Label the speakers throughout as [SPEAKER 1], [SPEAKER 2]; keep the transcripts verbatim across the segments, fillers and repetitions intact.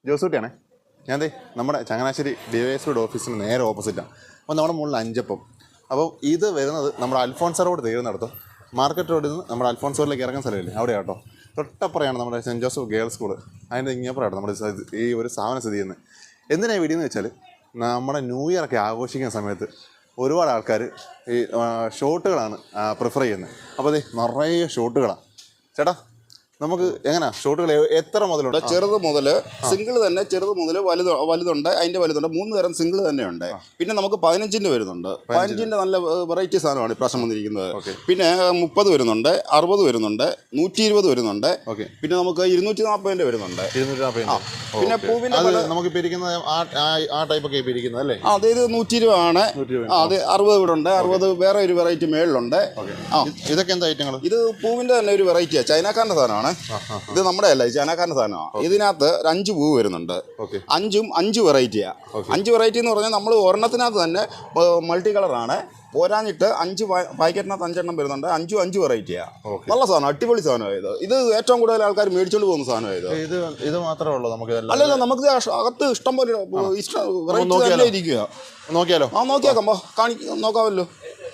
[SPEAKER 1] ജോസൂട്ടിയാണേ. ഞാൻ ദേ നമ്മുടെ ചങ്ങനാശ്ശേരി ഡിവൈഎസ്പിയുടെ ഓഫീസിന് നേരെ ഓപ്പോസിറ്റാണ്. അപ്പോൾ നമ്മുടെ മുകളിൽ അഞ്ചപ്പം. അപ്പോൾ ഇത് വരുന്നത് നമ്മുടെ അൽഫോൺസ് റോഡ് തീരുന്നിടത്തും മാർക്കറ്റ് റോഡിൽ നിന്ന് നമ്മുടെ അൽഫോൺസ് റോഡിലേക്ക് ഇറങ്ങുന്ന സ്ഥലമില്ലേ അവിടെ കേട്ടോ. തൊട്ടപ്പുറയാണ് നമ്മുടെ സെൻറ്റ് ജോസഫ് ഗേൾസ് സ്കൂൾ. അതിൻ്റെ ഇങ്ങപ്പുറമാണ് നമ്മുടെ ഈ ഒരു സ്ഥാപനം സ്ഥിതി ചെയ്യുന്നത്. എന്തിനാണ് വീഡിയോ എന്ന് വെച്ചാൽ നമ്മുടെ ന്യൂ ഇയർ ഒക്കെ ആഘോഷിക്കുന്ന സമയത്ത് ഒരുപാട് ആൾക്കാർ ഈ ഷോട്ടുകളാണ് പ്രിഫർ ചെയ്യുന്നത്. അപ്പോൾ അതെ നിറയെ ഷോട്ടുകളാണ്. ചേട്ടാ നമുക്ക് എങ്ങനെയാ ഷോട്ടുകൾ എത്ര മുതലുണ്ട്?
[SPEAKER 2] ചെറുത് മുതൽ സിംഗിൾ തന്നെ, ചെറുത് മുതൽ വലുത് വലുതുണ്ട്, അതിൻ്റെ വലുതുണ്ട്. മൂന്ന് തരം സിംഗിൾ തന്നെയുണ്ട്. പിന്നെ നമുക്ക് പതിനഞ്ചിൻ്റെ വരുന്നുണ്ട്. പതിനഞ്ചിൻ്റെ നല്ല വെറൈറ്റി സാധനമാണ് ഇപ്രാവശ്യം വന്നിരിക്കുന്നത്. പിന്നെ മുപ്പത് വരുന്നുണ്ട്, അറുപത് വരുന്നുണ്ട്, നൂറ്റി ഇരുപത് വരുന്നുണ്ട്. പിന്നെ നമുക്ക് ഇരുന്നൂറ്റി നാൽപ്പതിൻ്റെ വരുന്നുണ്ട്. പിന്നെ പൂവിൻ്റെ
[SPEAKER 1] നമുക്ക് അല്ലേ?
[SPEAKER 2] അതെ, ഇത് നൂറ്റി ഇരുപതാണ്. അത് അറുപത് ഇവിടെ ഉണ്ട്. അറുപത് വേറെ ഒരു വെറൈറ്റി മേളിലുണ്ട്.
[SPEAKER 1] ആ ഇതൊക്കെ എന്താ ഐറ്റങ്ങൾ?
[SPEAKER 2] ഇത് പൂവിൻ്റെ തന്നെ ഒരു വെറൈറ്റിയാണ്, ചൈനക്കാരൻ്റെ സാധനമാണ്. ഇത് നമ്മുടെ അല്ല, ഈ ചൈനക്കാരൻ്റെ സാധനമാണ്. ഇതിനകത്ത് ഒരു അഞ്ച് പൂവ് വരുന്നുണ്ട്. അഞ്ചും അഞ്ച് വെറൈറ്റിയാണ്. അഞ്ച് വെറൈറ്റി എന്ന് പറഞ്ഞാൽ നമ്മൾ ഒരെണ്ണത്തിനകത്ത് തന്നെ മൾട്ടി കളറാണ്. പോരാഞ്ഞിട്ട് അഞ്ച് പാക്കറ്റിനകത്ത് അഞ്ചെണ്ണം വരുന്നുണ്ട്. അഞ്ചും അഞ്ച് വെറൈറ്റിയാണ്. നല്ല സാധനം, അടിപൊളി സാധനമാണ് ഇത്. ഇത് ഏറ്റവും കൂടുതൽ ആൾക്കാർ മേടിച്ചോണ്ട് പോകുന്ന സാധനമാണ് ഇത്.
[SPEAKER 1] ഇത് ഇത് മാത്രമേ ഉള്ളൂ നമുക്ക്?
[SPEAKER 2] അല്ലല്ല, നമുക്ക് അകത്ത് ഇഷ്ടം പോലെ ഇഷ്ടം വെറൈറ്റി ഇരിക്കുക.
[SPEAKER 1] നോക്കിയാലോ?
[SPEAKER 2] ആ നോക്കിയാക്കാം, കാണി നോക്കാമല്ലോ.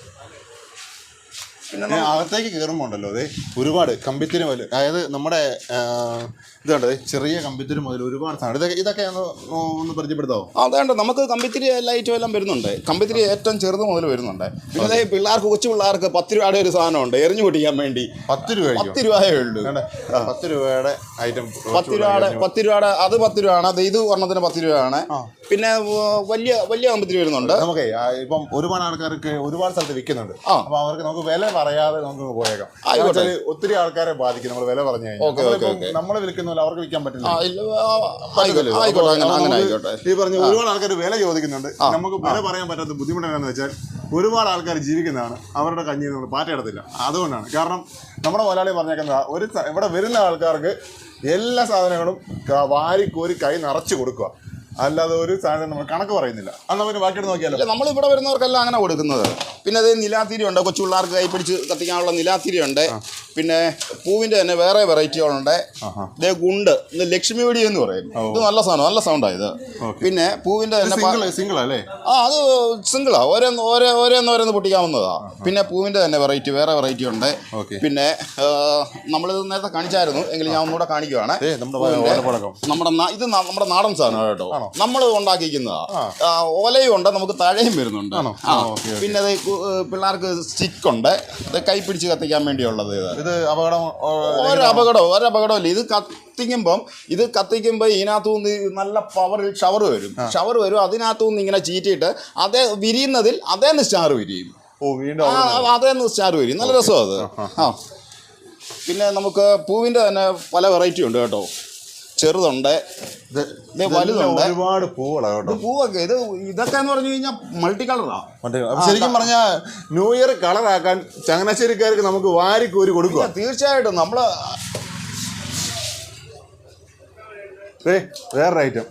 [SPEAKER 1] പിന്നെ അകത്തേക്ക് കയറുമ്പോൾ ഉണ്ടല്ലോ അതെ ഒരുപാട് കമ്പിത്തിരി മുതൽ, അതായത് നമ്മുടെ ഇതുണ്ട് ചെറിയ കമ്പിത്തിരി മുതൽ ഒരുപാട് സാധനം. ഇതൊക്കെ ഇതൊക്കെ ഒന്ന് പരിചയപ്പെടുത്താവോ?
[SPEAKER 2] അതേണ്ട, നമുക്ക് കമ്പിത്തിരി എല്ലാ ഐറ്റം എല്ലാം വരുന്നുണ്ട്. കമ്പിത്തിരി ഏറ്റവും ചെറുത് മുതൽ വരുന്നുണ്ട്. പിന്നെ പിള്ളേർക്ക്, കൊച്ചു പിള്ളേർക്ക് പത്ത് രൂപയുടെ ഒരു സാധനമുണ്ട് എറിഞ്ഞു പൊട്ടിക്കാൻ വേണ്ടി.
[SPEAKER 1] പത്ത് രൂപ
[SPEAKER 2] പത്ത് രൂപയേ ഉള്ളൂ.
[SPEAKER 1] പത്ത് രൂപയുടെ ഐറ്റം
[SPEAKER 2] പത്ത് രൂപയുടെ പത്ത് രൂപയുടെ അത് പത്ത് രൂപയാണ്. അത് ഇത് ഒരെണ്ണത്തിന് പത്ത് രൂപയാണ്. പിന്നെ വലിയ വലിയ കമ്പിത്തിരി വരുന്നുണ്ട്.
[SPEAKER 1] നമുക്ക് ഇപ്പം ഒരുപാട് ആൾക്കാർക്ക് ഒരുപാട് സ്ഥലത്ത് വിൽക്കുന്നുണ്ട്. അപ്പോൾ അവർക്ക് നമുക്ക് വില പറയാതെ നമുക്ക് പോയേക്കാം. ഒത്തിരി ആൾക്കാരെ ബാധിക്കും നമ്മൾ വില പറഞ്ഞു കഴിഞ്ഞാൽ. നമ്മൾ വിൽക്കുന്ന അവർക്ക് വിൽക്കാൻ പറ്റില്ല. ഈ പറഞ്ഞ ഒരുപാട് ആൾക്കാർ വില ചോദിക്കുന്നുണ്ട്. നമുക്ക് വില പറയാൻ പറ്റാത്ത ബുദ്ധിമുട്ടാണെന്ന് വെച്ചാൽ ഒരുപാട് ആൾക്കാർ ജീവിക്കുന്നതാണ്, അവരുടെ കഞ്ഞി നമ്മൾ പാറ്റയിടത്തില്ല. അതുകൊണ്ടാണ്. കാരണം നമ്മുടെ മുതലാളി പറഞ്ഞേക്കുന്നത് ഒരു ഇവിടെ വരുന്ന ആൾക്കാർക്ക് എല്ലാ സാധനങ്ങളും വാരിക്കോരി കൈ നിറച്ച് കൊടുക്കുക, അല്ലാതെ ഒരു സാധനം നമ്മൾ കണക്ക് പറയുന്നില്ല. അന്ന് അവർ ബാക്കിയിട്ട് നോക്കിയാലോ?
[SPEAKER 2] നമ്മളിവിടെ വരുന്നവർക്കെല്ലാം അങ്ങനെ കൊടുക്കുന്നത്. പിന്നെ അത് നിലാത്തിരി ഉണ്ട്, കൊച്ചു പിള്ളേർക്ക് കൈ പിടിച്ച് കത്തിക്കാനുള്ള നിലാത്തിരി ഉണ്ട്. പിന്നെ പൂവിൻ്റെ തന്നെ വേറെ വെറൈറ്റികളുണ്ട്. ഇതേ ഗുണ്ട്, ഇത് ലക്ഷ്മി വെടി എന്ന് പറയും. ഇത് നല്ല സാധനം, നല്ല സൗണ്ടാണ് ഇത്. പിന്നെ പൂവിൻ്റെ തന്നെ
[SPEAKER 1] സിംഗിൾ അല്ലേ?
[SPEAKER 2] ആ അത് സിംഗിളാ, ഓരോന്ന് ഓരോ ഓരോന്ന് ഓരോന്ന് പൊട്ടിക്കാവുന്നതാ. പിന്നെ പൂവിൻ്റെ തന്നെ വെറൈറ്റി വേറെ വെറൈറ്റി ഉണ്ട്. പിന്നെ നമ്മളിത് നേരത്തെ കാണിച്ചായിരുന്നു, എങ്കിലും ഞാൻ ഒന്നുകൂടെ കാണിക്കുവാണ്. നമ്മുടെ ഇത് നമ്മുടെ നാടൻ സാധനം കേട്ടോ, നമ്മൾ ഉണ്ടാക്കിക്കുന്നതാ. ഓലയും ഉണ്ട്, നമുക്ക് താഴെയും വരുന്നുണ്ട്. പിന്നെ അത് പിള്ളേർക്ക് സ്റ്റിക്ക് ഉണ്ട്, ഇത് കൈ പിടിച്ച് കത്തിക്കാൻ വേണ്ടിയുള്ളത്. ഇത്
[SPEAKER 1] അപകടം
[SPEAKER 2] ഒരു അപകടവും ഒരു അപകടമില്ല. ഇത് കത്തിക്കുമ്പം ഇത് കത്തിക്കുമ്പോൾ ഇതിനകത്തുനിന്ന് നല്ല പവറിൽ ഷവർ വരും. ഷവർ വരും അതിനകത്തുനിന്ന് ഇങ്ങനെ ചീറ്റിയിട്ട് അതേ വിരിയുന്നതിൽ അതേന്ന് സ്റ്റാർ വിരിയും. അതേന്ന് സ്റ്റാർ വിരിയും. നല്ല രസമാണ് അത്. ആ പിന്നെ നമുക്ക് പൂവിൻ്റെ തന്നെ പല വെറൈറ്റി ഉണ്ട് കേട്ടോ. ചെറുതുണ്ട്, വലുതുണ്ട്,
[SPEAKER 1] ഒരുപാട് പൂവുകളാണ്.
[SPEAKER 2] പൂവൊക്കെ ഇത് ഇതൊക്കെ എന്ന് പറഞ്ഞു കഴിഞ്ഞാൽ മൾട്ടി കളറാ.
[SPEAKER 1] ശരിക്കും പറഞ്ഞാൽ ന്യൂ ഇയർ കളറാക്കാൻ ചങ്ങനാശ്ശേരിക്കാർക്ക് നമുക്ക് വാരിക്കോരി കൊടുക്കുക.
[SPEAKER 2] തീർച്ചയായിട്ടും. നമ്മള്
[SPEAKER 1] വേറൊരു ഐറ്റം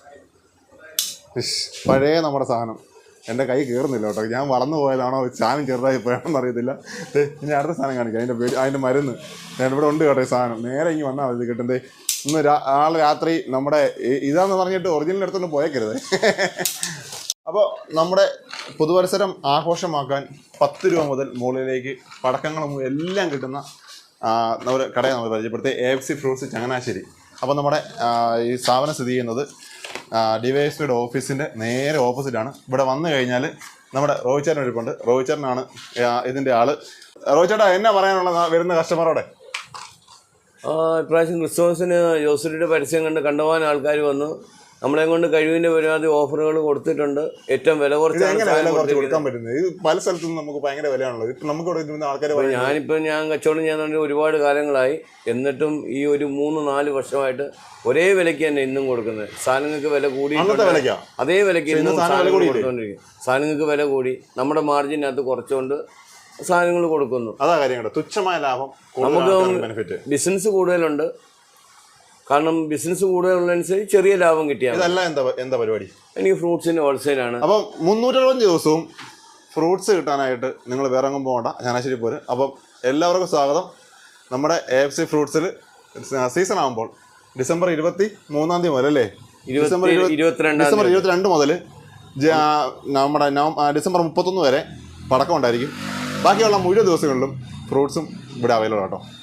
[SPEAKER 1] പഴയ നമ്മുടെ സാധനം എൻ്റെ കൈ കയറുന്നില്ല കേട്ടോ. ഞാൻ വളർന്നു പോയതാണോ സാധനം ചെറുതായി പോയാണെന്ന് അറിയത്തില്ല. ഇനി അടുത്ത സാധനം കാണിക്കാം. അതിൻ്റെ പേര് അതിൻ്റെ മരുന്ന് ഞാൻ ഇവിടെ ഉണ്ട് കേട്ടോ. ഈ സാധനം നേരെ ഇങ്ങനെ വന്നാൽ മതി കിട്ടണ്ടേ. ഇന്ന് നാളെ രാത്രി നമ്മുടെ ഇതാന്ന് പറഞ്ഞിട്ട് ഒറിജിനൽ എടുത്തൊന്നും പോയേക്കരുത്. അപ്പോൾ നമ്മുടെ പുതുവത്സരം ആഘോഷമാക്കാൻ പത്ത് രൂപ മുതൽ മുകളിലേക്ക് പടക്കങ്ങളും എല്ലാം കിട്ടുന്ന ഒരു കടയെ നമ്മൾ പരിചയപ്പെടുത്തി, A F C fruits Changanassery. അപ്പോൾ നമ്മുടെ ഈ സ്ഥാപനം സ്ഥിതി ചെയ്യുന്നത് ഡിവൈഎസ്പിയുടെ ഓഫീസിൻ്റെ നേരെ ഓപ്പോസിറ്റാണ്. ഇവിടെ വന്നു കഴിഞ്ഞാൽ നമ്മുടെ റോഹിച്ചേട്ടൻ ഇരിപ്പുണ്ട്. റോഹിച്ചേട്ടനാണ് ഇതിൻ്റെ ആള്. റോഹിച്ചേട്ടാ എന്നാ പറയാനുള്ള വരുന്ന കസ്റ്റമറോടെ?
[SPEAKER 3] ഇപ്രാവശ്യം ക്രിസ്മസിന് ജോസൂട്ടിയുടെ പരസ്യം കണ്ട് കണ്ടുപോകാൻ ആൾക്കാർ വന്നു. നമ്മളെ കൊണ്ട് കഴിവിൻ്റെ പരമാവധി ഓഫറുകൾ കൊടുത്തിട്ടുണ്ട്. ഏറ്റവും വില കുറച്ച്
[SPEAKER 1] കൊടുക്കാൻ പറ്റുന്നത്. ഇത് പല സ്ഥലത്തും നമുക്ക് ഭയങ്കര വിലയാണുള്ളത്. ഇപ്പം നമുക്ക് ആൾക്കാർ
[SPEAKER 3] ഞാനിപ്പോൾ ഞാൻ കച്ചവടം ചെയ്യാൻ ഒരുപാട് കാലങ്ങളായി, എന്നിട്ടും ഈ ഒരു മൂന്ന് നാല് വർഷമായിട്ട് ഒരേ വിലയ്ക്ക് തന്നെ ഇന്നും കൊടുക്കുന്നത്. സാധനങ്ങൾക്ക് വില കൂടി അതേ വിലയ്ക്ക് ഇന്നും കൊടുത്തുകൊണ്ടിരിക്കും. സാധനങ്ങൾക്ക് വില കൂടി നമ്മുടെ മാർജിനകത്ത് കുറച്ചുകൊണ്ട് സാധനങ്ങൾ കൊടുക്കുന്നു.
[SPEAKER 1] അതാ കാര്യം. തുച്ഛമായ ലാഭം.
[SPEAKER 3] നമുക്ക് ബിസിനസ് കൂടുതലുണ്ട്. കാരണം ബിസിനസ് കൂടുതലുള്ളതനുസരിച്ച് ചെറിയ ലാഭം കിട്ടിയാൽ.
[SPEAKER 1] ഇതല്ല എന്താ എന്താ പരിപാടി?
[SPEAKER 3] എനിക്ക് ഫ്രൂട്ട്സിൻ്റെ ഹോൾസെയിലാണ്.
[SPEAKER 1] അപ്പം മുന്നൂറ്ററുപത്തഞ്ച് ദിവസവും ഫ്രൂട്ട്സ് കിട്ടാനായിട്ട് നിങ്ങൾ വേറെ എങ്ങും പോകണ്ട, ചങ്ങനാശ്ശേരി പോര്. അപ്പം എല്ലാവർക്കും സ്വാഗതം. നമ്മുടെ എ എഫ് സി ഫ്രൂട്ട്സിൽ സീസൺ ആകുമ്പോൾ ഡിസംബർ ഇരുപത്തി മൂന്നാം തീയതി മുതൽ അല്ലേ? ഡിസംബർ
[SPEAKER 3] ഇരുപത്തി ഇരുപത്തിരണ്ടാം
[SPEAKER 1] ഡിസംബർ ഇരുപത്തിരണ്ട് മുതൽ നമ്മുടെ നവ ഡിസംബർ മുപ്പത്തൊന്ന് വരെ പടക്കം ഉണ്ടായിരിക്കും. ബാക്കിയുള്ള മുഴുവൻ ദിവസങ്ങളിലും ഫ്രൂട്ട്സും ഇവിടെ അവൈലബിൾ ആട്ടോ.